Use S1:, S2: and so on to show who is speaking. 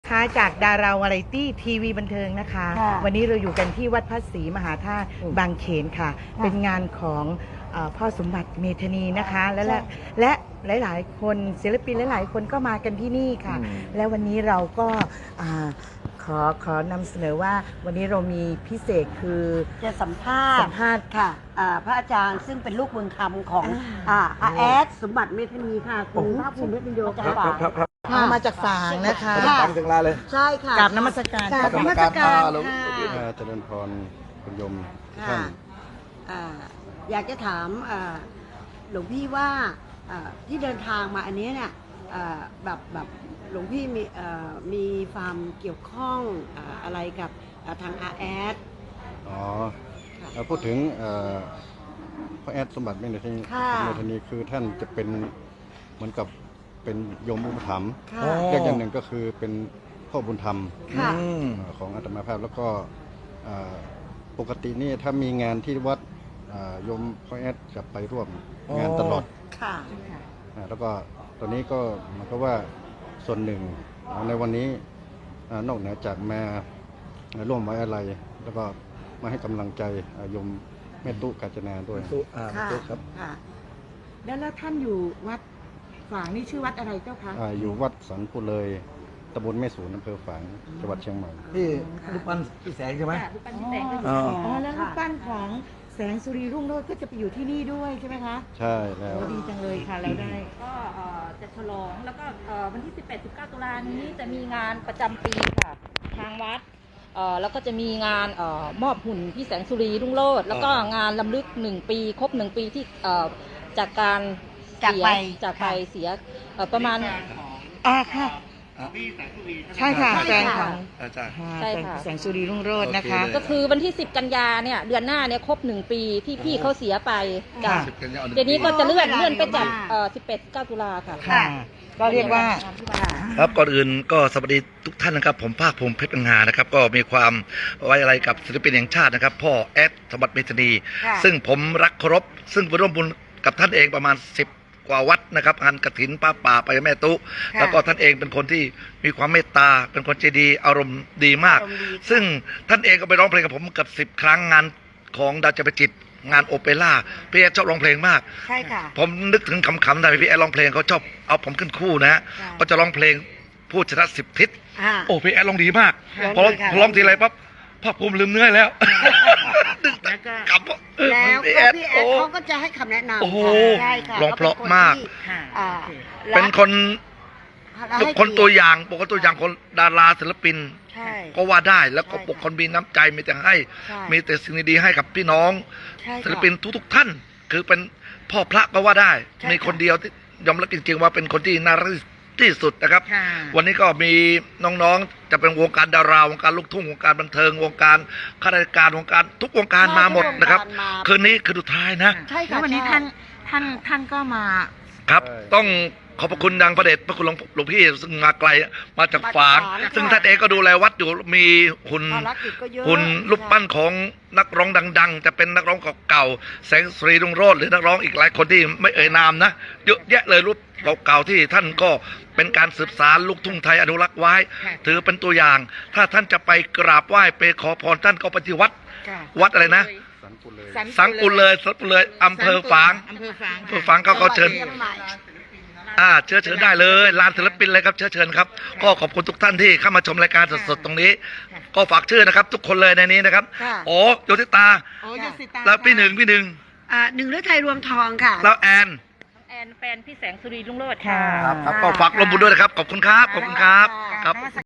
S1: ค่ะจากดาราวาไรตี้ทีวีบันเทิงนะคะ วันนี้เราอยู่กันที่วัดพระศรีมหาธาตุบางเขนค่ะ เป็นงานของพ่อสมบัติเมธานีนะคะและหลายๆ คนศิลปินหลายๆ คนก็มากันที่นี่ค่ะ และวันนี้เราก็ขอนำเสนอว่าวันนี้เรามีพิเศษคือ
S2: จะสัมภาษณ์ค่ะพระอาจารย์ซึ่งเป็นลูกบุญธรรมของอาแอดสมบัติเมธานีค่ะคุณภาคภูมิเพชรโยค่ะ
S1: มาจากฝางนะคะ
S3: ฟังถึงลาเลย
S2: ใช่ค่ะ
S1: กราบนมัสการ
S2: กราบนมัสการ
S3: เจริญพรคุณโยมท่าน
S2: อยากจะถามหลวงพี่ว่าที่เดินทางมาอันนี้เนี่ยแบบหลวงพี่มีความเกี่ยวข้องอะไรกับทางอาแอด
S3: พูดถึงพระแอดสมบัติเมธานีคือท่านจะเป็นเหมือนกับเป็นโยมอุปถัมภ์อย่างหนึ่งก็คือเป็นพ่อบุญธรรมของอาตมาภาพแล้วก็ปกตินี่ถ้ามีงานที่วัดโยมพระแอดจะไปร่วมงานตลอดแล้วก็ตอนนี้ก็มันก็ว่าส่วนหนึ่งในวันนี้นอกเหนือจากมาร่วมไว้อะไรแล้วก็มาให้กำลังใจโยมแม่ตุ๊กาญจนาด้วย
S1: ครับแล้วท่านอยู่วัดฝางนี่ชื่อวัดอะไรเจ้าคะ
S3: อยู่วัดสันปุเลยตำบลแม่สูนอำเภอฝางจังหวัดเชียงใหม่
S4: ที่รูปปั้นพี่แสงใช่ไหม
S1: รูปปั้นพี่แสงแล้วรูปปั้นของแสงสุรีรุ่งโรจน์ก็จะไปอยู่ที่นี่ด้วยใช่ไหมคะ
S3: ใช่แล้ว
S1: ดีจังเลยค่ะเราได้
S5: ก็จะฉลองแล้วก็วันที่ 18-19 ตุลานี้จะมีงานประจำปีค่ะทางวัดแล้วก็จะมีงานมอบหุ่นพี่แสงสุรีรุ่งโรจน์แล้วก็งานรำลึก1 ปีครบ1 ปีที่จากการจากไปเสียประมาณ
S1: ค่ะใช่ค่ะแฟนของ
S5: ใช่ค่ะ
S1: แสงสุรีรุ่งโรจน์นะคะ
S5: ก็คือวันที่10 กันยาเนี่ยเดือนหน้าเนี่ยครบ1 ปีที่พี่เขาเสียไปจากเดี๋ยวนี้ก็จะเลื่อนไปจาก18-19 ตุลาค่ะ
S1: ก็เรียกว่า
S4: ครับก่อนอื่นก็สวัสดีทุกท่านนะครับผมภาคภูมิเพชรปัญหานะครับก็มีความไว้อะไรกับศิลปินแห่งชาตินะครับพ่อแอดสมบัติเมธานีซึ่งผมรักเคารพซึ่งไปร่วมบุญกับท่านเองประมาณ10 กว่าวัดนะครับงานกฐินป้าป่าไปแม่ตุ๊แล้วก็ท่านเองเป็นคนที่มีความเมตตาเป็นคนใจดีอารมณ์ดีมากซึ่งท่านเองก็ไปร้องเพลงกับผมเกือบ10 ครั้งงานของดาวจำปาจิตงานโอเปร่าพี่แอดชอบร้องเพลงมาก
S2: ใช่ค่ะ
S4: ผมนึกถึงคำๆได้พี่แอดร้องเพลงเขาชอบเอาผมขึ้นคู่นะก็จะร้องเพลงพูดชนะ10 ทิศโอ้พี่แอดร้องดีมากพอร้องทีไรปั๊บภาคภูมิลืมเนื้อแล้ว
S2: แล้วก็พี่แอดเขาก็จะให้คำแนะนำ
S4: โอ้โหร้องเพราะมากเป็นคนตัวอย่างปกติตัวอย่างคนดาราศิลปินก็ว่าได้แล้วก็ปกคนมีน้ำใจมีแต่ให้มีแต่สิ่งดีๆให้กับพี่น้องศิลปินทุกท่านคือเป็นพ่อพระก็ว่าได้มีคนเดียวที่ยอมรับจริงๆว่าเป็นคนที่น่ารักที่สุดนะครับวันนี้ก็มีน้องๆจะเป็นวงการดาราวงการลูกทุ่งวงการบันเทิงวงการข้าราชการวงการทุกวงการมาหมดนะครับคืนนี้คือสุดท้ายนะ
S1: แล้ววันนี้ท่านก็มา
S4: ครับต้องขอบพระคุณดังพระเดชพระคุณหลวงพี่ซึ่งมาไกลมาจากฝางซึ่งท่านเองก็ดูแลวัดอยู่มีหุ่นรูปปั้นของนักร้องดังๆจะเป็นนักร้องเก่าๆแสงสุรีรุ่งโรจน์หรือนักร้องอีกหลายคนที่ไม่เอ่ยนามนะเยอะแยะเลยรูปเก่าๆที่ท่านก็เป็นการสืบสานลูกทุ่งไทยอนุรักษ์ไว้ถือเป็นตัวอย่างถ้าท่านจะไปกราบไหว้ไปขอพรท่านก็ไปที่วัดอะไรนะสังกุเลยอำเภอฝางเขาเชิญเชิญได้เลยลานศิลปินเลยครับเชิญครับก็ขอบคุณทุกท่านที่เข้ามาชมรายการสดๆตรงนี้ก็ฝากชื่อนะครับทุกคนเลยในนี้นะครับโอ้โยติตาแล้วพี่หนึ่ง
S2: หนึ่งฤทัยรวมทองค่ะ
S4: แล้วแอน
S5: แฟนพี่แสงสุรีรุ่งโรจน์ค่ะ
S4: ครับก็ฝากร่วมบุญด้วยนะครับขอบคุณครับครับ